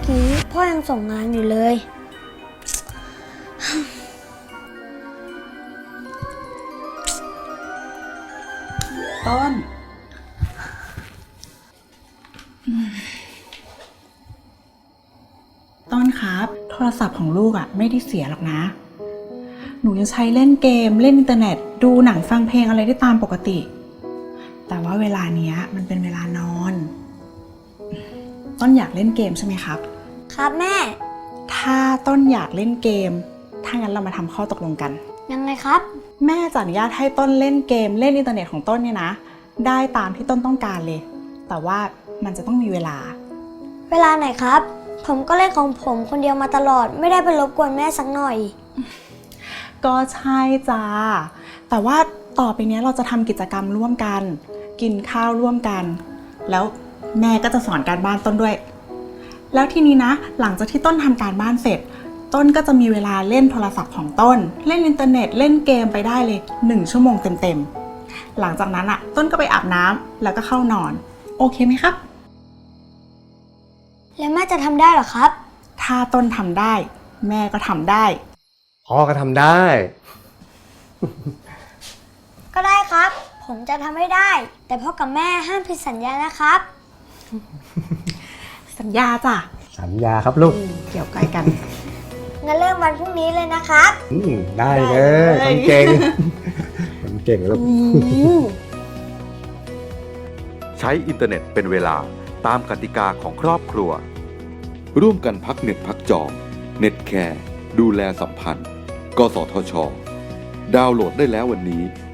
กี้พ่อยังส่งงานอยู่เลยต้น ต้นครับ โทรศัพท์ของลูกไม่ได้เสียหรอกนะ หนูยังใช้เล่นเกมเล่นอินเทอร์เน็ตดูหนังฟังเพลงอะไรได้ตามปกติ แต่ว่าเวลาเนี้ยมันเป็นเวลานอน ต้นอยากเล่นเกมใช่ไหมครับครับแม่ถ้าต้นอยากเล่นเกม ถ้างั้นเรามาทำข้อตกลงกันยังไงครับแม่จะอนุญาตให้ต้นเล่นเกมเล่นอินเทอร์เน็ตของต้นเนี่ยนะ ได้ตามที่ต้นต้องการเลย แต่ว่ามันจะต้องมีเวลาเวลาไหนครับ ผมก็เล่นของผมคนเดียวมาตลอดไม่ได้ไปรบกวนแม่สักหน่อยก็ใช่จ้าแต่ว่าต่อไปนี้เราจะทำกิจกรรมร่วมกัน กินข้าวร่วมกัน แล้วแม่ก็จะสอนการบ้านต้นด้วย แล้วทีนี้นะหลังจากที่ต้นทำการบ้านเสร็จ ต้นก็จะมีเวลาเล่นโทรศัพท์ของต้น เล่นอินเทอร์เน็ตเล่นเกมไปได้เลย1 ชั่วโมงเต็มๆหลังจากนั้นต้นก็ไปอาบน้ำแล้วก็เข้านอนโอเคไหมครับแล้วแม่จะทำได้เหรอครับถ้าต้นทำได้ แม่ก็ทำได้พ่อก็ทำได้ก็ได้ครับ ผมจะทำให้ได้ แต่พ่อกับแม่ห้ามผิดสัญญานะครับสัญญาจ้ะสัญญาครับลูกเกี่ยวใกล้กันงั้นเริ่มวันพรุ่งนี้เลยนะครับได้เลได้ยเลยคนเก่ง คนเก่งลูกใช้อินเทอร์เน็ตเป็นเวลาตามกติกาของครอบครัว ร่วมกันพักเน็ตพักจอ เน็ตแคร์ดูแลสัมพันธ์ กสทช ดาวน์โหลดได้แล้ววันนี้